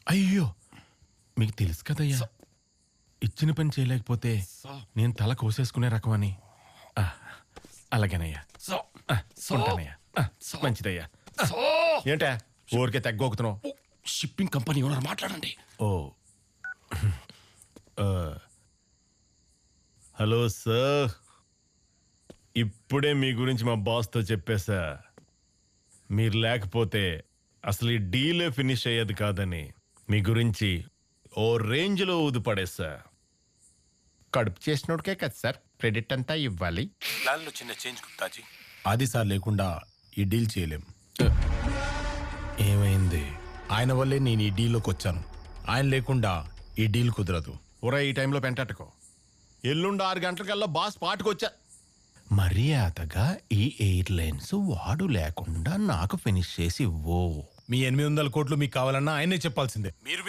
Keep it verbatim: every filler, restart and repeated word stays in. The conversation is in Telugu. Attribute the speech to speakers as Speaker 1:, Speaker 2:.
Speaker 1: అయ్యో మీకు తెలుసు కదయ్యా, ఇచ్చిన పని చేయలేకపోతే నేను తల కోసేసుకునే రకమని. ఆ, అలాగేనయ్యా. ఆ, ఉంటానయ్యా. ఆ, మంచిదయ్యా. ఆ, ఏంటా ఊరికే తగ్గోకుతున్నావు?
Speaker 2: షిప్పింగ్ కంపెనీ ఓనర్ మాట్లాడండి.
Speaker 1: ఓ ఆ, హలో సార్, ఇప్పుడే మీ గురించి మా బాస్తో చెప్పేశా. మీరు లేకపోతే అసలు ఈ డీలే ఫినిష్ అయ్యేది కాదని మీ గురించి ఓ రేంజ్లో ఊదిపడేశా. కడుపు చేసినోడికే కదా సార్ క్రెడిట్ అంతా ఇవ్వాలి.
Speaker 2: ప్లాన్లో చిన్న చేంజ్ గుప్తాజీ.
Speaker 3: అది సార్ లేకుండా ఈ డీల్ చేయలేం.
Speaker 1: ఏమైంది?
Speaker 3: ఆయన వల్లే నేను ఈ డీల్లోకి వచ్చాను. ఆయన లేకుండా ఈ డీల్ కుదరదు.
Speaker 1: ఒరే, ఈ టైంలో పెంటట్టుకో. ఎల్లుండి ఆరు గంటలకల్లా బాస్ పాటుకొచ్చా. మర్యాదగా ఈ ఎయిర్లైన్స్ వాడు లేకుండా నాకు ఫినిష్ చేసి ఇవ్వు.
Speaker 3: మీ ఎనిమిది వందల కోట్లు మీకు కావాలన్నా ఆయనే చెప్పాల్సిందే.
Speaker 2: మీరు